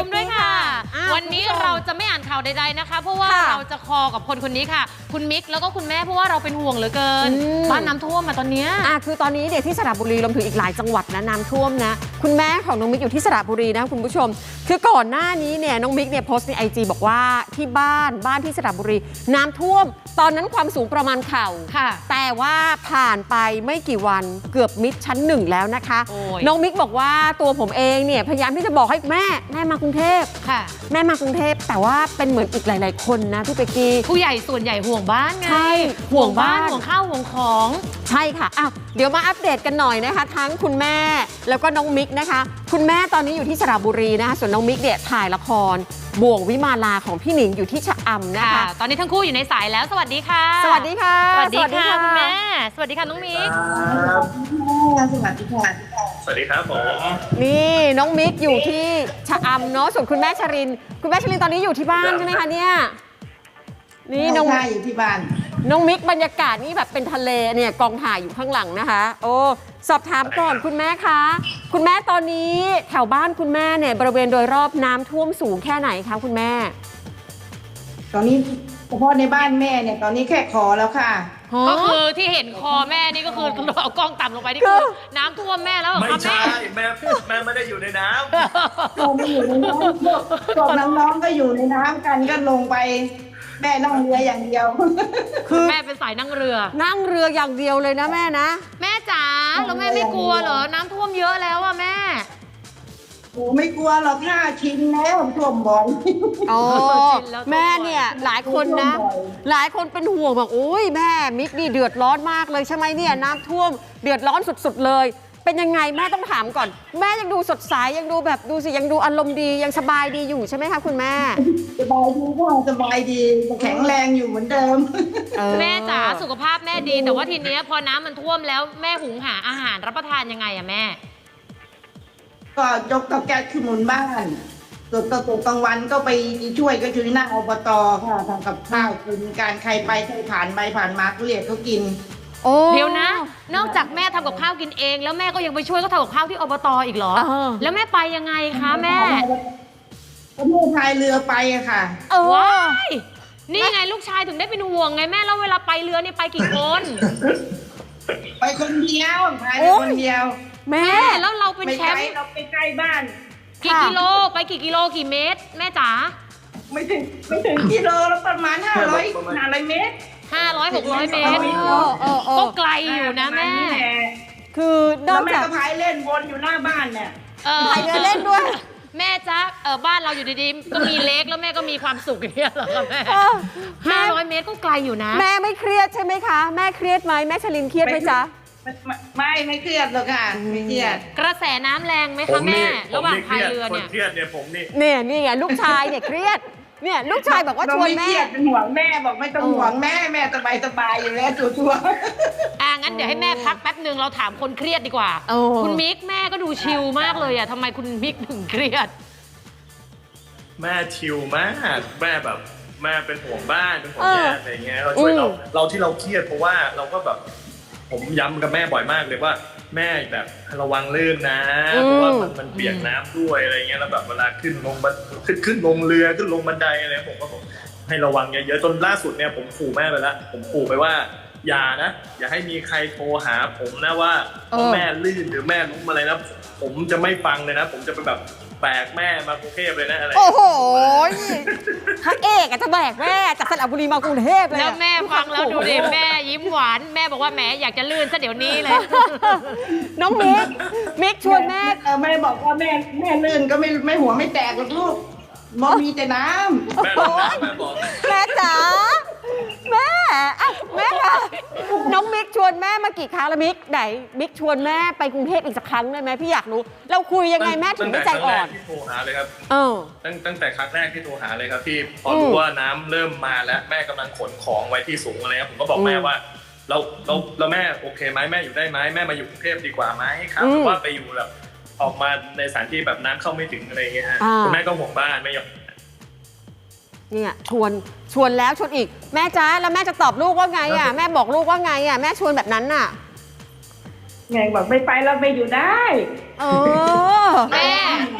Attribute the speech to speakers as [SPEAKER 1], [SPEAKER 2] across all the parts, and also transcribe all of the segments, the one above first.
[SPEAKER 1] ด้วยค่ะวันนี้เราจะไม่อ่านข่าวใดๆนะคะเพราะว่าเราจะคอกับคนนี้ค่ะคุณมิกแล้วก็คุณแม่เพราะว่าเราเป็นห่วงเหลือเกินบ้านน้ำท่วมมาตอนนี้
[SPEAKER 2] คือตอนนี้เนี่ยที่สระบุรีรวมถึงอีกหลายจังหวัดนะน้ำท่วมนะคุณแม่ของน้องมิกอยู่ที่สระบุรีนะคุณผู้ชมคือก่อนหน้านี้เนี่ยน้องมิกเนี่ยโพสต์ใน IG บอกว่าที่บ้านที่สระบุรีน้ำท่วมตอนนั้นความสูงประมาณเข่าแต่ว่าผ่านไปไม่กี่วันเกือบมิดชั้น 1แล้วนะคะน้องมิกบอกว่าตัวผมเองเนี่ยพยายามที่จะบอกให้แม่มากรุงเทพแม่มากรุงเทพแต่ว่าเป็นเหมือนอีกหลายๆคนนะพี่เป๊กกี้
[SPEAKER 1] ผู้ใหญ่ส่วนใหญ่ห่วงบ้านไง
[SPEAKER 2] ใช่
[SPEAKER 1] ห่วงบ้านห่วงข้าวห่วงของ
[SPEAKER 2] ใช่ค่ะเดี๋ยวมาอัปเดตกันหน่อยนะคะทั้งคุณแม่แล้วก็น้องมิกนะคะคุณแม่ตอนนี้อยู่ที่สระบุรีนะคะส่วนน้องมิกเนี่ยถ่ายละครบ่วงวิมาลาของพี่หนิงอยู่ที่ชะอำนะคะ
[SPEAKER 1] ตอนนี้ทั้งคู่อยู่ในสายแล้วสวัสดีค่ะ
[SPEAKER 2] สวัสดีค่ะ
[SPEAKER 1] สวัสดีค่ะคุณแม่สวัสดีค่ะน้องมิก
[SPEAKER 3] สวัสดีค่ะ
[SPEAKER 4] สวัสดีครับผม
[SPEAKER 2] นี่น้องมิกอยู่ที่ชะอำเนาะส่วนคุณแม่ชรินตอนนี้อยู่ที่บ้านใช่ไหมคะเนี่ย
[SPEAKER 3] นี่น้องอยู่ที่บ้าน
[SPEAKER 2] น้องมิกบรรยากาศนี่แบบเป็นทะเลเนี่ยกองถ่ายอยู่ข้างหลังนะคะโอ้สอบถามก่อนคุณแม่คะคุณแม่ตอนนี้แถวบ้านคุณแม่เนี่ยบริเวณโดยรอบน้ำท่วมสูงแค่ไหนคะคุณแม่
[SPEAKER 3] ตอนนี้เฉพาะในบ้านแม่เนี่ยตอนนี้แค่คอแล้วค่ะ
[SPEAKER 1] ก็คือที่เห็นคอแม่นี่ก็คือเอากล้องต่ำลงไปนี่คือน้ำท่วมแม่แล้ว
[SPEAKER 4] ไม่ใช่แม่ไม่ได้อยู่ในน้ำ
[SPEAKER 3] ไม่อยู่ในน้ำพวกน้องๆก็อยู่ในน้ำกันก็ลงไปแม่นั่งเรืออย่างเดียว
[SPEAKER 1] คือแม่เป็นสายนั่งเรือ
[SPEAKER 2] อย่างเดียวเลยนะแม่นะ
[SPEAKER 1] แม่จ๋าแล้วแม่ไม่กลัวเหรอน้ำท่วมเยอะแล้วอะแม่
[SPEAKER 3] โอ้ไม่กลัวหรอกค่ะชินแล้วท่วมบ่อย
[SPEAKER 2] แม่เนี่ยหลายคนเป็นห่วงบอกโอ้ยแม่มิกนี่เดือดร้อนมากเลยใช่ไหมเนี่ยน้ำท่วมเดือดร้อนสุดๆเลยเป็นยังไงแม่ต้องถามก่อนแม่ยังดูสดใสยังดูแบบดูสิยังดูอารมณ์ดียังสบายดีอยู่ใช่ไหมคะคุณแม่
[SPEAKER 3] สบายดีค่ะสบายดีแข็งแรงอยู่เหมือนเดิม
[SPEAKER 1] แม่จ๋าสุขภาพแม่ดีแต่ว่าทีนี้พอน้ำมันท่วมแล้วแม่หุงหาอาหารรับประทานยังไงอะแม่
[SPEAKER 3] ก็ยกเตาแก๊สขึ้นหมุนบ้านส่วนตกกลางวันก็ไปช่วยก็ช่วยหน้าอบตค่ะทำกับข้าวกินการใครไปใครผ่านไปผ่านมาก็เรียกเขากิน
[SPEAKER 1] เดี๋ยวนะนอกจากแม่ทำกับข้าวกินเองแล้วแม่ก็ยังไปช่วยเขาทำกับข้าวที่อบตอีกเหรอแล้วแม่ไปยังไงคะแม่
[SPEAKER 3] ก็แม่พายเรือไปอะค่ะ
[SPEAKER 1] ว้ายนี่ไงลูกชายถึงได้เป็นห่วงไงแม่แล้วเวลาไปเรือนี่ไปกี่คน
[SPEAKER 3] ไปคนเดียวพายคนเดียว
[SPEAKER 1] แม่แล้วเราเป็นแชมป์
[SPEAKER 3] เราไปใกล้บ้าน
[SPEAKER 1] กี่กิโลไปกี่กิโลกี่เมตรแม่จ๋า
[SPEAKER 3] ไม่ถึงกิโลแล้วประมาณ500 เมตร
[SPEAKER 1] 500-600 เมตรก็ไกลอยู่นะแม่
[SPEAKER 2] คือนอกจาก
[SPEAKER 3] พายเล่นวนอยู่หน้าบ้านเนี่ย
[SPEAKER 2] พายเล่นด้วย
[SPEAKER 1] แม่จ๊ะบ้านเราอยู่ดีๆก็มีเล็กแล้วแม่ก็มีความสุขอย่างเงี้ยเหรอคะแม่500 เมตรก็ไกลอยู่นะ
[SPEAKER 2] แม่ไม่เครียดใช่ไหมคะแม่เครียดไหมแม่ชลินเครียดไหมจ๊ะ
[SPEAKER 3] ไม่เครียดหรอกค่ะไม่เครียด
[SPEAKER 1] กระแสน้ำแรงไหมคะแม่ระหว่างพายเรือเนี่ย
[SPEAKER 4] เครียดเนี่ยผม
[SPEAKER 2] นี่ไงลูกชายเนี่ยเครียดเนี่ยลูกชายบอกว่าชวนแม่
[SPEAKER 3] เป็นห่วงแม่บอกไม่ต้องห่วงแม่สบายอยู่แล้วชัวร์
[SPEAKER 1] งั้นเดี๋ยวให้แม่พักแป๊บนึงเราถามคนเครียดดีกว่าคุณมิกแม่ก็ดูชิลมากเลยอะทำไมคุณมิกถึงเครียด
[SPEAKER 4] แม่ชิลมากแม่แบบแม่เป็นห่วงบ้านเป็นห่วงแม่อะไรเงี้ยเราช่วยเราที่เราเครียดเพราะว่าเราก็แบบผมย้ำกับแม่บ่อยมากเลยว่าแม่แบบระวังลื่นนะเพราะว่ามันเปียกน้ำด้วยอะไรเงี้ยแล้วแบบเวลาขึ้นลงเรือขึ้นลงบันไดอะไรผมก็บอกให้ระวังเยอะๆจนล่าสุดเนี่ยผมขู่แม่ไปแล้วผมขู่ไปว่าอย่าให้มีใครโทรหาผมนะว่าแม่ลื่นหรือแม่ล้มอะไรนะผมจะไม่ฟังเลยนะผมจะไปแบบแบกแม่มากรุงเทพเลยนะอะไร
[SPEAKER 2] โอ้โหพระเอกจะแบกแม่จากสระบุรีมากรุงเทพเลย
[SPEAKER 1] แล้วแม่ฟังแล้วดูดิแม่ยิ้มหวานแม่บอกว่าแม่อยากจะลื่นซะเดี๋ยวนี้เลย
[SPEAKER 2] น้องมิกชวนแม่
[SPEAKER 3] แม่บอกว่าแม่ลื่นก็ไม่หัวไม่แตกหรอกลูกมีแต่น้ำ
[SPEAKER 2] แม่จ๋าแม่ค่ะน้องมิกชวนแม่มากี่ครั้งแล้วมิกชวนแม่ไปกรุงเทพอีกสักครั้งได้ไหมพี่อยากรู้เราคุยยังไงแม่ถึงไม่ใจอ่อน
[SPEAKER 4] ที่โทรหาเลยครับตั้งแต่ครั้งแรกที่โทรหาเลยครับพี่พอรู้ว่าน้ำเริ่มมาแล้วแม่กำลังขนของไว้ที่สูงอะไรครับผมก็บอกแม่ว่าเราแม่โอเคไหมแม่อยู่ได้ไหมแม่มาอยู่กรุงเทพดีกว่าไหมครับหรือว่าไปอยู่แบบออกมาในสถานที่แบบน้ำเข้าไม่ถึงอะไรเงี้ยฮะคุณแม่ก็ห่วงบ้านไม่ยอม
[SPEAKER 2] เนี่ยชวนแล้วชวนอีกแม่จ้าแล้วแม่จะตอบลูกว่าไงอ่ะแม่บอกลูกว่าไงอ่ะแม่ชวนแบบนั้นน่ะ
[SPEAKER 3] ไงบอกไม่ไปเราไปอยู่ได้
[SPEAKER 1] แม่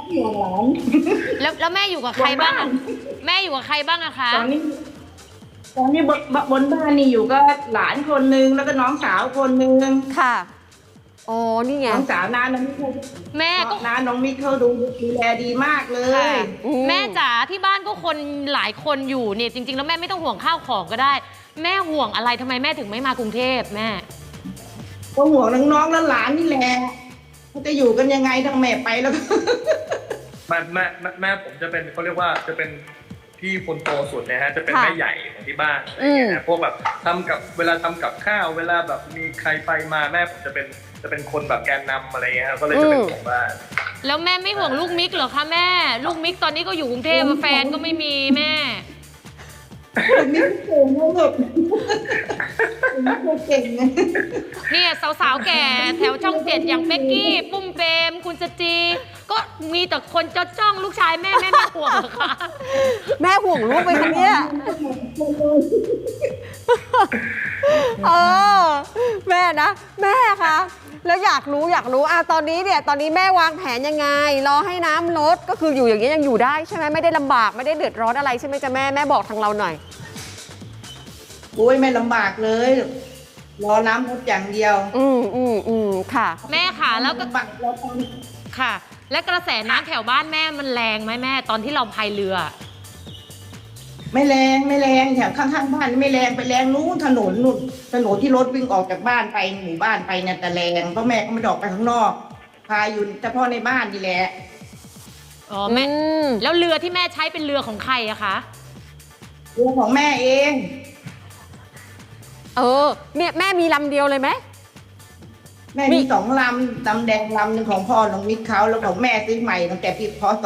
[SPEAKER 3] ห่วงหลาน
[SPEAKER 1] แล้วแม่อยู่กับใครบ้างอะแม่อยู่กับใครบ้างอะคะ
[SPEAKER 3] ตอนนี้บนบ้านนี่อยู่ก็หลานคนนึงแล้วก็น้องสาวคนนึง
[SPEAKER 2] ค่ะอ๋อนี่ไง
[SPEAKER 3] น้องสาวน้าน้องมิก
[SPEAKER 1] แม่ก็
[SPEAKER 3] น้าน้องมิกเขาดูแลดีมากเลย
[SPEAKER 1] แม่จ๋าที่บ้านก็คนหลายคนอยู่เนี่ยจริงๆแล้วแม่ไม่ต้องห่วงข้าวของก็ได้ แม่ห่วงอะไรทำไมแม่ถึงไม่มากรุงเทพแม่
[SPEAKER 3] ก็ห่วงน้องๆและหลานนี่แหละเขาจะอยู่กันยังไงทั้งแม่ไปแล้วก็
[SPEAKER 4] แม่ผมจะเป็นเขาเรียกว่าจะเป็นพี่คนโตสุดนะฮะจะเป็นแม่ใหญ่ของที่บ้านอะไรอย่างเงี้ยนะพวกแบบเวลาทำกับข้าวเวลาแบบมีใครไปมาแม่ผมจะเป็นคนแบบแกนนำอะไรเงี้ยก็เลยจะเป็นของบ้าน
[SPEAKER 1] แล้วแม่ไม่ห่วงลูกมิกเหรอคะแม่ ลูกมิกตอนนี้ก็อยู่กรุงเทพแฟนก็ไม่มีแม่
[SPEAKER 3] มิกเก่งนะลูกมิกเก่งนะ
[SPEAKER 1] เนี่ยสาวๆแก่แถวช่องเจ็ดอย่างเป๊กกี้ปุ้มเปรมคุณจจีก็มีแต่คนจ้องลูกชายแม่ไม่ห่วงเหรอคะ
[SPEAKER 2] แม่ห่วงลูกไปคะเนี่ยเออแม่นะแม่คะแล้วอยากรู้ตอนนี้แม่วางแผนยังไงรอให้น้ำลดก็คืออยู่อย่างนี้ยังอยู่ได้ใช่ไหมไม่ได้ลำบากไม่ได้เดือดร้อนอะไรใช่ไหมจ๊ะแม่บอกทางเราหน่อย
[SPEAKER 3] โอ้ยไม่ลำบากเลยรอน้ำลดอย่างเดียว
[SPEAKER 2] ค่ะ
[SPEAKER 1] แม่ค่ะแล้วก็
[SPEAKER 3] ลำบากเราตอน
[SPEAKER 1] ค่ะ และกระแสน้ำแถวบ้านแม่มันแรงไหมแม่ตอนที่เราพายเรือ
[SPEAKER 3] ไม่แรงแถวข้างๆบ้านไม่แรงไปแรงนู้นถนนที่รถวิ่งออกจากบ้านไปหมู่บ้านไปเนี่ยแต่แรงเพราะแม่ก็ไม่ได้ออกไปข้างนอกพาอยู่เฉพาะในบ้านนี่แหละ
[SPEAKER 1] อ๋อแม่แล้วเรือที่แม่ใช้เป็นเรือของใครอะคะ
[SPEAKER 3] เรือของแม่เอง
[SPEAKER 2] แม่มีลำเดียวเลยไหม
[SPEAKER 3] แม่มี2 ลำดำแดงลำหนึ่งของพ่อน้องมิกเขาแล้วของแม่ซื้อใหม่ตั้งแต่ปีพ.ศ.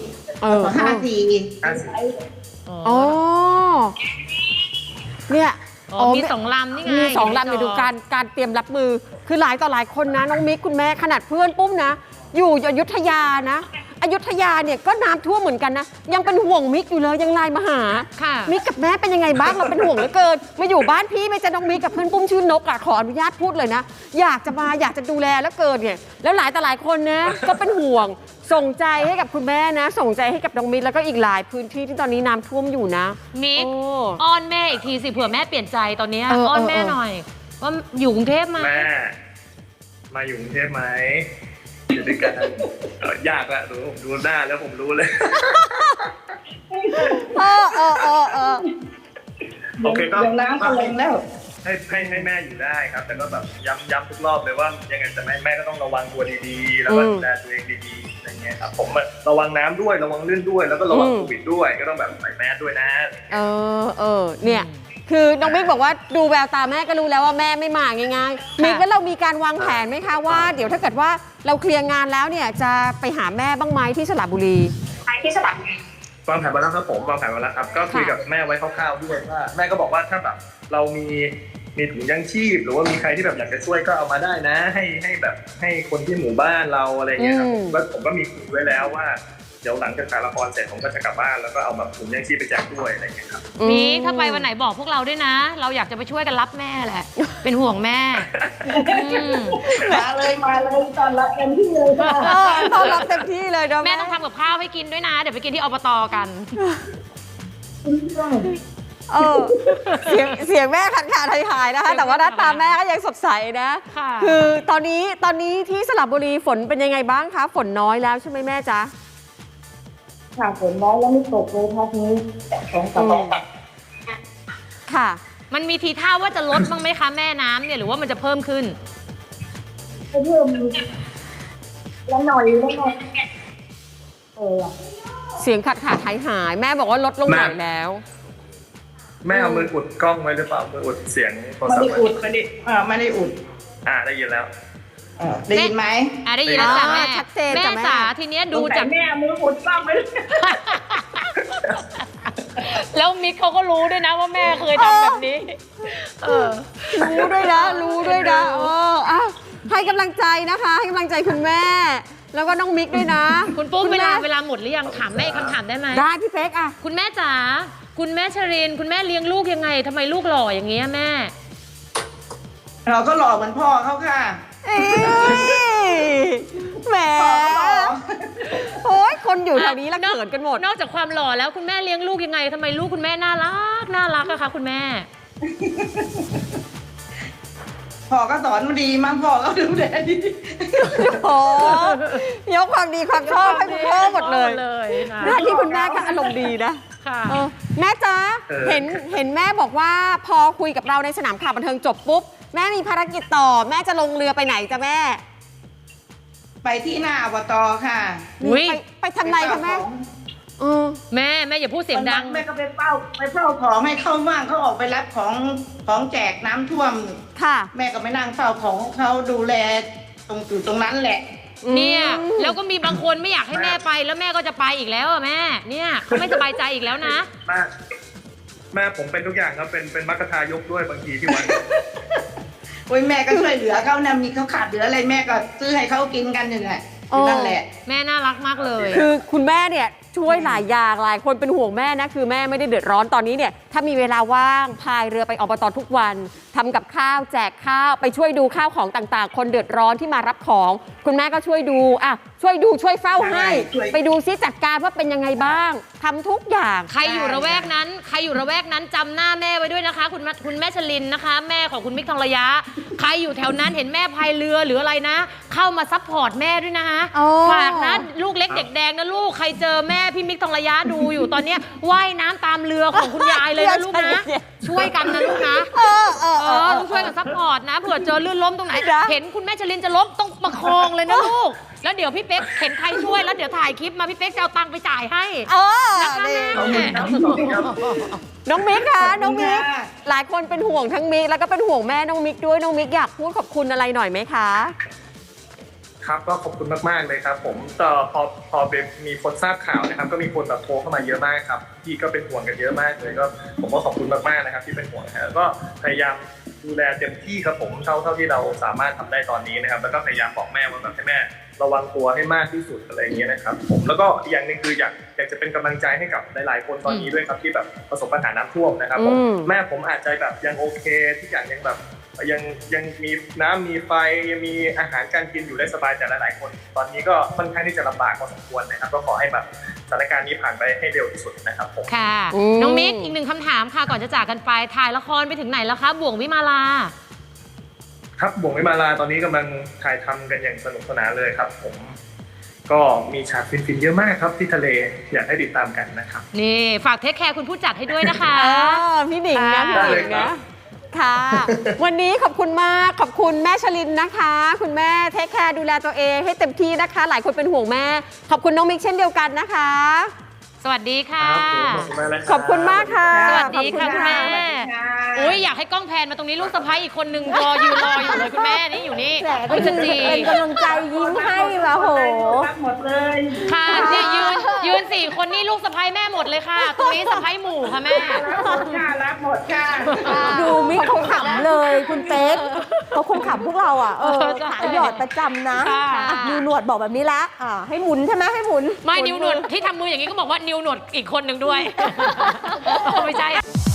[SPEAKER 3] 54
[SPEAKER 2] อ๋อเนี่ย
[SPEAKER 1] มี2 ลำนี่ไง
[SPEAKER 2] มี2 ลำเนี่ยดูการเตรียมรับมือคือหลายต่อหลายคนนะน้องมิกคุณแม่ขนาดเพื่อนปุ้มนะอยู่อยุธยานะอยุธยาเนี่ยก็น้ำท่วมเหมือนกันนะยังเป็นห่วงมิกอยู่เลยยังไลน์มาหา
[SPEAKER 1] ค่ะ
[SPEAKER 2] มิกกับแม่เป็นยังไงบ้างเราเป็นห่วงเหลือเกินมาอยู่บ้านพี่ไม่จะน้องมิกกับเพื่อนปุ้มชื่อนกอ่ะขออนุญาตพูดเลยนะอยากจะดูแลแล้วเกินเนี่ยแล้วหลายต่อหลายคนนะก็เป็นห่วงส่งใจให้กับคุณแม่นะส่งใจให้กับน้องมิกแล้วก็อีกหลายพื้นที่ที่ตอนนี้น้ำท่วมอยู่นะ
[SPEAKER 1] มิกอ้อนแม่อีกทีสิเผื่อแม่เปลี่ยนใจตอนนี้อ้อนแม่หน่อยว่าอยู่กรุงเทพมา
[SPEAKER 4] แม่มาอยู่กรุงเทพไหมอยู่ด้วยกันยากละดูหน้าแล้วผมรู้เลยโอเคก็
[SPEAKER 3] เดี๋ยวน้ำก็ลงแล้ว
[SPEAKER 4] ให้แม่อยู่ได้ครับ แต่ก็แบบย้ำทุกรอบเลยว่ายังไงแต่แม่ก็ต้องระวังตัวดีๆแล้วก็ดูแลตัวเองดีๆอะไรเงี้ยครับผมระวังน้ำด้วยระวังลื่นด้วยแล้วก็ระวังโควิดด้วยก็ต้องแบบใส่แมสด้วยนะ
[SPEAKER 2] เนี่ยคือน้องมิกบอกว่าดูแววตาแม่ก็รู้แล้วว่าแม่ไม่มาง่ายๆมิกแล้วเรามีการวางแผนไหมคะว่าเดี๋ยวถ้าเกิดว่าเราเคลียร์งานแล้วเนี่ยจะไปหาแม่บ้างไหมที่สระบุรี
[SPEAKER 4] วางแผนมาแล้วครับผมวางแผนมาแล้วครับก็คุยกับแม่ไว้คร่าวๆด้วยว่าแม่ก็บอกว่าถ้าแบบเรามีถุงยังชีพหรือว่ามีใครที่แบบอยากจะช่วยก็เอามาได้นะให้แบบให้คนที่หมู่บ้านเราอะไรเงี้ยครับผมก็มีคุยไว้แล้วว่าเดี๋ยวหลังจากถ่ายละครเสร็จผมก็จะกลับบ้านแล้วก็เอาแบบถุงยังชีพไปแจกด้วยอะไรเงี้ยครับ
[SPEAKER 1] มิกถ้าไปวันไหนบอกพวกเราด้วยนะเราอยากจะไปช่วยกันรับแม่แหละเป็นห่วงแม่
[SPEAKER 3] มาเลยตอนรับเต็มที่เลยค่ะ
[SPEAKER 2] ตอนรับเต็มที่เลย
[SPEAKER 1] แม่ต้องทำกับข้าวให้กินด้วยนะเดี๋ยวไปกินที่อบตกัน
[SPEAKER 2] เสียงแม่ขัดขาหายนะคะแต่ว่าหน้าตาแม่ก็ยังสดใสนะคือตอนนี้ที่สระบุรีฝนเป็นยังไงบ้างคะฝนน้อยแล้วใช่ไหมแม่จ๊ะ
[SPEAKER 3] ค่ะฝนน้อยแล้วไม่ตกเลยพักนี้
[SPEAKER 2] ค่ะ
[SPEAKER 1] มันมีทีท่าว่าจะลดบ้างไหมคะแม่น้ำเนี่ยหรือว่ามันจะเพิ่มขึ้น
[SPEAKER 3] เพิ่มแล้วหน่อย
[SPEAKER 2] เสียงขัดขาหายแม่บอกว่าลดลงหน่อยแล้ว
[SPEAKER 4] แม่เอามืออุดกล้องไว้หรือเปล่ามืออุดเสียงโทรศัพท์
[SPEAKER 3] ไม่ได้อุดไม่ได้อุด
[SPEAKER 4] ได้ยินแล้ว
[SPEAKER 3] ได้ยินไหม
[SPEAKER 1] ได้ยินแล้วจ้ะแม่
[SPEAKER 2] ชัดเจน
[SPEAKER 1] แม่จ๋าทีเนี้ยดูจาก
[SPEAKER 3] แม่มืออุดกล้องไว้
[SPEAKER 1] แล้วมิกเขาก็รู้ด้วยนะว่าแม่เคยทำแบบนี้
[SPEAKER 2] รู้ด้วยนะให้กำลังใจนะคะให้กำลังใจคุณแม่แล้วก็น้องมิกด้วยนะ
[SPEAKER 1] คุณปุ้มเวลาหมดหรือยังถามแม่คำถามได้ไหม
[SPEAKER 2] ได้พี่เป๊กอะ
[SPEAKER 1] คุณแม่จ๋าคุณแม่ชรินคุณแม่เลี้ยงลูกยังไงทำไมลูกหล่ออย่างเงี้ยแม่
[SPEAKER 3] เราก็หล่อเหมือนพ่อเขาค่ะ
[SPEAKER 2] แหมโอ้ยคนอยู่แถวนี้ละเขินกันหมด
[SPEAKER 1] นอกจากความหล่อแล้วคุณแม่เลี้ยงลูกยังไงทำไมลูกคุณแม่น่ารักอะคะคุณแม่
[SPEAKER 3] พ่อก็สอนมาดีมั้งพ่อก็ดูแลดี
[SPEAKER 2] โอ้ยกความดีความชอบให้คุณพ่อหมดเลย
[SPEAKER 1] ค่ะ
[SPEAKER 2] หน้าที่คุณแม่ก็อารมณ์ดีนะ
[SPEAKER 1] ค่ะ
[SPEAKER 2] แม่จ๊ะเห็นแม่บอกว่าพอคุยกับเราในสนามข่าวบันเทิงจบปุ๊บแม่มีภารกิจต่อแม่จะลงเรือไปไหนจ๊ะแม่
[SPEAKER 3] ไปที่หน้าอบตค่ะ
[SPEAKER 1] อุ๊ย
[SPEAKER 2] ไปทำไรคะแม่
[SPEAKER 1] แม่อย่าพูดเสียงดัง
[SPEAKER 3] แม่ก็ไปเฝ้าของให้เข้าบ้างเขาออกไปรับของแจกน้ำท่วม
[SPEAKER 2] ค่ะ
[SPEAKER 3] แม่ก็ไปนั่งเฝ้าของเขาดูแลตรงนั้นแหละ
[SPEAKER 1] เนี่ยแล้วก็มีบางคนไม่อยากให้แม่ไปแล้วแม่ก็จะไปอีกแล้วอะแม่เนี่ยเขาไม่สบายใจอีกแล้วนะ
[SPEAKER 4] แม่ผมเป็นทุกอย่างครับเป็นมัคคทายกด้วยบางทีที่วัด
[SPEAKER 3] โอ้ยแม่ก็ช่วยเหลือเขานะมีเขาขาดเหลืออะไรแม่ก็ซื้อให้เขากินกันอยู่แหละนั่นแหละ
[SPEAKER 1] แม่น่ารักมากเลย
[SPEAKER 2] คือคุณแม่เนี่ยช่วยหลายอย่างหลายคนเป็นห่วงแม่นะคือแม่ไม่ได้เดือดร้อนตอนนี้เนี่ยถ้ามีเวลาว่างพายเรือไปอบตทุกวันทำกับข้าวแจกข้าวไปช่วยดูข้าวของต่างๆ คนเดือดร้อนที่มารับของคุณแม่ก็ช่วยดูช่วยเฝ้าให้
[SPEAKER 3] ช่วย
[SPEAKER 2] ไปดูซิจัดการว่าเป็นยังไงบ้างทำทุกอย่าง
[SPEAKER 1] ใครอยู่ระแวกนั้นจำหน้าแม่ไว้ด้วยนะคะ คุณแม่ชลินนะคะ แม่ของคุณมิกทองระยะ ใครอยู่แถวนั้นเห็นแม่พายเรือหรืออะไรนะ เข้ามาซัพพอร์ตแม่ด้วยนะคะ
[SPEAKER 2] อ๋อ
[SPEAKER 1] ฝากนะลูกเล็กเด็กแดงนะลูกใครเจอแม่พี่มิกทองระยะดูอยู่ตอนเนี้ยว่ายน้ำตามเรือของคุณยายเลยนะลูกนะช่วยกันนะลูกนะต้องช่วยกันซัพพอร์ตนะเผื่อเจอลื่นล้มตรงไหน เห็นคุณแม่ชลินจะล้มต้องประคองเลยนะลูกแล้วเดี๋ยวพี่เป๊กเห็นใครช่วยแล้วเดี๋ยวถ่ายคลิปมาพี่เป๊กจะเอาตังค์ไปจ่ายให้นะคะแม่
[SPEAKER 2] น้องมิกคะน้องมิกหลายคนเป็นห่วงทั้งมิกแล้วก็เป็นห่วงแม่น้องมิกด้วยน้องมิกอยากพูดขอบคุณอะไรหน่อยไหมคะ
[SPEAKER 4] ครับก็ขอบคุณมากๆเลยครับผมแต่พอมีคนทราบข่าวนะครับก็มีคนแบบโทรเข้ามาเยอะมากครับพี่ก็เป็นห่วงกันเยอะมากเลยก็ผมก็ขอบคุณมากๆนะครับที่เป็นห่วงนะก็พยายามดูแลเต็มที่ครับผมเท่าที่เราสามารถทำได้ตอนนี้นะครับแล้วก็พยายามบอกแม่ว่าแบบให้แม่ระวังตัวให้มากที่สุดอะไรอย่างเงี้ยนะครับผมแล้วก็อีกอย่างหนึงคืออยากจะเป็นกำลังใจให้กับหลายๆคนตอนนี้ด้วยครับที่แบบประสบปัญหาน้ำท่วมนะครับผมแม่ผมอาจจะแบบยังโอเคทุกอย่างยังแบบยังมีน้ำมีไฟยังมีอาหารการกินอยู่ได้สบายแต่หลายๆคนตอนนี้ก็ค่อนข้างที่จะลำบากพอสมควรนะครับก็ขอให้แบบสถานการณ์นี้ผ่านไปให้เร็วที่สุดนะครับผม
[SPEAKER 1] ค่ะน้องมิกอีกหนึ่งคำถามค่ะก่อนจะจากกันไปถ่ายละครไปถึงไหนแล้วคะบ่วงวิมาลา
[SPEAKER 4] ครับบ่วงวิมาลาตอนนี้กำลังถ่ายทำกันอย่างสนุกสนานเลยครับผมก็มีฉากฟินๆเยอะมากครับที่ทะเลอยากให้ติดตามกันนะครับ
[SPEAKER 1] นี่ฝากเทคแคร์คุณผู้จัดให้ด้วยนะคะ
[SPEAKER 2] พี่หนิงนะพี่หนิงนะค่ะวันนี้ขอบคุณมากขอบคุณแม่ชลินนะคะ คุณแม่เทคแคร์ดูแลตัวเองให้เต็มที่นะคะ หลายคนเป็นห่วงแม่ขอบคุณน้องมิกเช่นเดียวกันนะคะ
[SPEAKER 1] สวัสดีค่ะ
[SPEAKER 2] ขอบคุณมากค่ะ
[SPEAKER 1] สวัสดีค่ะคุณแม่อุ้ยอยากให้กล้องแพนมาตรงนี้ลูกสะใภ้อีกคนนึงรออยู่เลยคุณแม่นี่อยู่นี่คุณจะจี
[SPEAKER 2] เป็นกำลังใจยิ้มให้ว่ะโห
[SPEAKER 3] หมดเลย
[SPEAKER 1] ค่ะเนี่ยยืน4 คนนี่ลูกสะใภ้แม่หมดเลยค่ะตรงนี้สะใภ้หมู่ค่ะแม่
[SPEAKER 3] รับหมดค่ะ
[SPEAKER 5] ดูมิกเขาขำเลยคุณเป๊กเขาคงขำพวกเราอ่ะขาหยอดประจำนะนิวหนวดบอกแบบนี้แล้วให้หมุนใช่ไหมให้หมุน
[SPEAKER 1] ไม่นิวหนวดที่ทำมืออย่างนี้ก็บอกว่านิวหนวดอีกคนหนึ่งด้วย ไม่ใช่